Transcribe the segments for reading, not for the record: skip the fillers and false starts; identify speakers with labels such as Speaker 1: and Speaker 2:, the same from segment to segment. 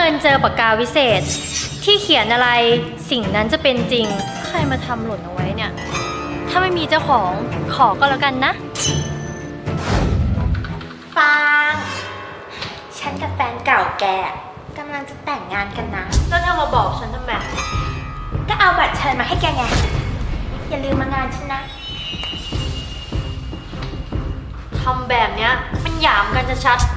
Speaker 1: ญเจอปากกาวิเศษที่เขียนอะไรสิ่งนั้นจะเป็นจริงใครมาทำหล่นเอาไว้เนี่ยถ้าไม่มีเจ้าของขอก็แล้วกันนะ
Speaker 2: ฟางฉันกับแฟนเก่าแกกำลังจะแต่งงานกันนะ
Speaker 1: แล้วเธอมาบอกฉันทำไม
Speaker 2: ก็เอาบัตรเชิญมาให้แกไงอย่าลืมมางานฉันนะ
Speaker 1: ทำแบบเนี้ยมันหยามกันจะชัด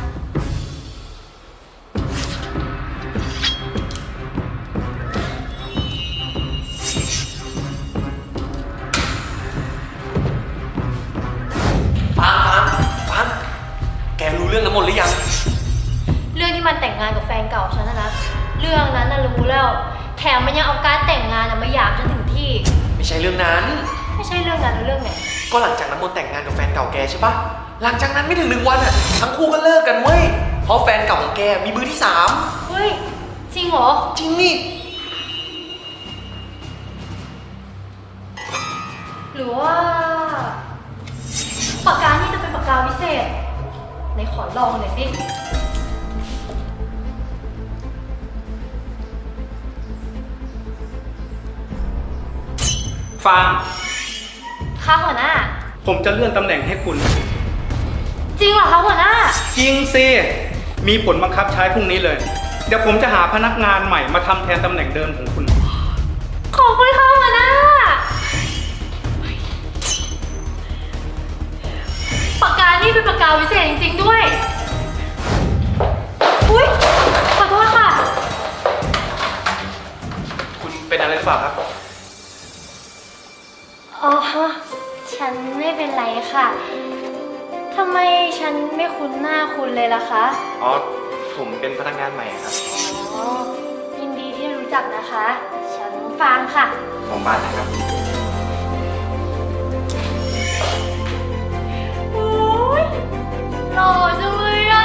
Speaker 3: ฟังแกรู้เรื่องน้ำมนต์หรือยัง
Speaker 1: เรื่องที่มันแต่งงานกับแฟนเก่าฉันนะเรื่องนั้นน่ะรู้แล้วแถมมันยังเอาการแต่งงานมาหยามฉันถึงที่
Speaker 3: ไม่ใช่เรื่องนั้น
Speaker 1: ไม่ใช่เรื่องนั้นแล้วเรื่องไหน
Speaker 3: ก็หลังจากน้ำมนต์แต่งงานกับแฟนเก่าแกใช่ปะหลังจากนั้นไม่ถึง1 วันอ่ะทั้งคู่ก็เลิกกันเว้ยเพราะแฟนเก่าของแกมีมือที่3
Speaker 1: เฮ้ยจริงเหรอ
Speaker 3: จริงนี่
Speaker 1: หรือว่าปากกานี่จะเป็นปากกาวิเศษไหนขอลองหน่อยสิ
Speaker 4: ฟาง
Speaker 1: ค่ะหัวหน้า
Speaker 4: ผมจะเลื่อนตำแหน่งให้คุณ
Speaker 1: จริงเหรอคะหัวหน้า
Speaker 4: จริงสิมีผลบังคับใช้พรุ่งนี้เลยเดี๋ยวผมจะหาพนักงานใหม่มาทำแทนตำแหน่งเดิมของคุณ
Speaker 1: ขอบคุณค่ะหัวหน้าปากกานี่เป็นปากกาวิเศษจริงๆด้วยอุ๊ยขอโทษค่ะ
Speaker 3: คุณเป็นอะไรหรือเปล่าครับ
Speaker 1: อ๋อฉันไม่เป็นไรค่ะทำไมฉันไม่คุ้นหน้าคุณเลยล่ะคะ
Speaker 3: อ๋อผมเป็นพนักงานใหม่ครับ
Speaker 1: อ๋อยินดีที่รู้จักนะคะฉันฟางค่ะ
Speaker 3: ของบ้านนะครับ
Speaker 1: โอ้ยหล่อจังเลยอ่ะ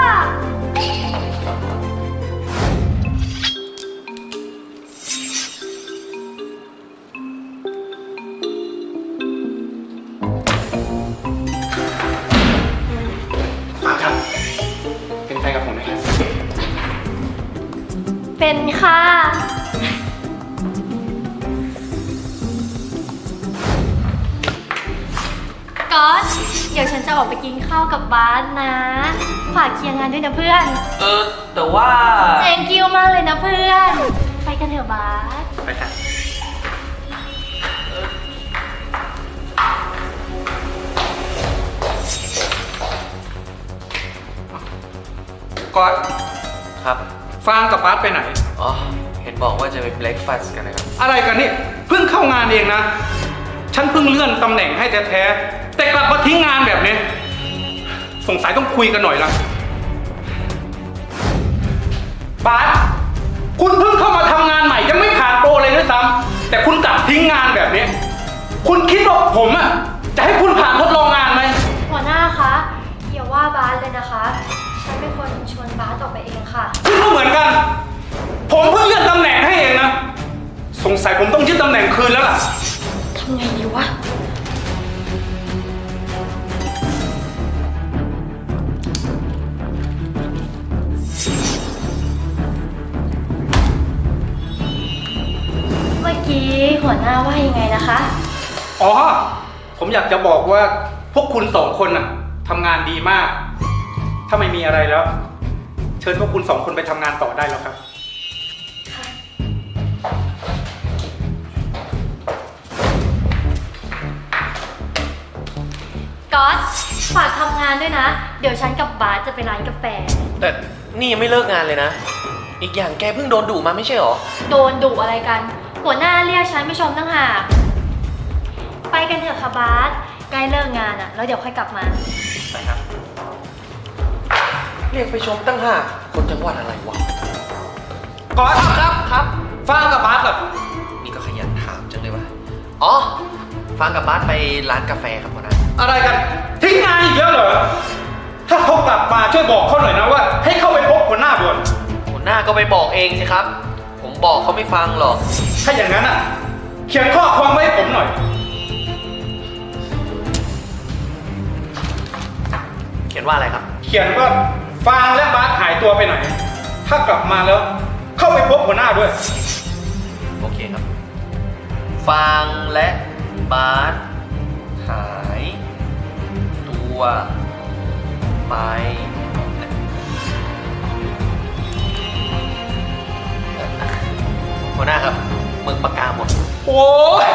Speaker 3: เป็นแฟนกับผมไหมครับ
Speaker 1: เป็นค่ะก๊อตเดี๋ยวฉันจะออกไปกินข้าวกับบ้านนะฝากเคลียร์งานด้วยนะเพื่อน
Speaker 3: แต่ว่า
Speaker 1: thank you มากเลยนะเพื่อนไปกันเถอะบาส
Speaker 3: ไปค่ะ
Speaker 4: ก๊อต
Speaker 3: ครับ
Speaker 4: ฟางกับบาสไปไหน
Speaker 3: อ๋อเห็นบอกว่าจะไปเบรกฟาสต์กันนะครับ
Speaker 4: อะไรกันนี่เพิ่งเข้างานเองนะฉันเพิ่งเลื่อนตำแหน่งให้แท้ๆแต่กลับมาทิ้งงานแบบนี้สงสัยต้องคุยกันหน่อยละบาสคุณเพิ่งเข้ามาทำงานใหม่ยังไม่ผ่านโปรเลยด้วยซ้ำแต่คุณกลับทิ้งงานแบบนี้คุณคิดว่าผมอ่ะจะให้คุณผ่านทดลองงานไหม
Speaker 1: หัวหน้าคะอย่าว่าบาสเลยนะคะฉันเป็นคนชวนบาสออกไปเองค่ะ
Speaker 4: คุณก็เหมือนกันผมเพิ่งเลื่อนตำแหน่งให้เองนะสงสัยผมต้องยึดตำแหน่งคืนแล้วล่ะ
Speaker 1: ทำไงดีวะเมื่อกี้หัวหน้าว่ายังไงนะคะ
Speaker 4: อ๋อผมอยากจะบอกว่าพวกคุณ2 คนน่ะทำงานดีมากถ้าไม่มีอะไรแล้วเชิญพวกคุณ2 คนไปทำงานต่อได้แล้วครับ
Speaker 1: ก๊อตฝากทำงานด้วยนะเดี๋ยวฉันกับบาสจะไปร้านกาแฟ
Speaker 3: แต่นี่ยังไม่เลิกงานเลยนะอีกอย่างแกเพิ่งโดนดุมาไม่ใช่หรอ
Speaker 1: โดนดุอะไรกันหัวหน้าเรียกฉันไม่ชมตั้งหากไปกันเถอะค่ะบาสใกล้เลิกงานอ่ะแล้วเดี๋ยวค่อยกลับมา
Speaker 3: ไปครับเรียกไปชมตั้งหากคนจังหวัดอะไรวะ
Speaker 4: ก๊อตครับฟางกับบาสเหรอ
Speaker 3: นี่ก็ขยันถามจังเลยวะอ๋อฟางกับบาสไปร้านกาแฟครับหัวหน้า
Speaker 4: อะไรกันทิ้งงานอีกแล้วเหรอถ้าเขากลับมาช่วยบอกเขาหน่อยนะว่าให้เข้าไปพบหัวหน้าด่วน
Speaker 3: หัวหน้าก็ไปบอกเองสิครับผมบอกเขาไม่ฟังหรอก
Speaker 4: ถ้าอย่างนั้นอ่ะเขียนข้อความไว้ให้ผมหน่อย
Speaker 3: เขียนว่าอะไรครับ
Speaker 4: เขียนว่าฟางและบาสหายตัวไปไหนทถ้ากลับมาแล้ว เข้าไปพบหัวหน้าด้วย
Speaker 3: โอเคครับ ฟางและบาสหายตัวไปหัวหน้าครับหมึกปากกาหมด
Speaker 4: โอ้ย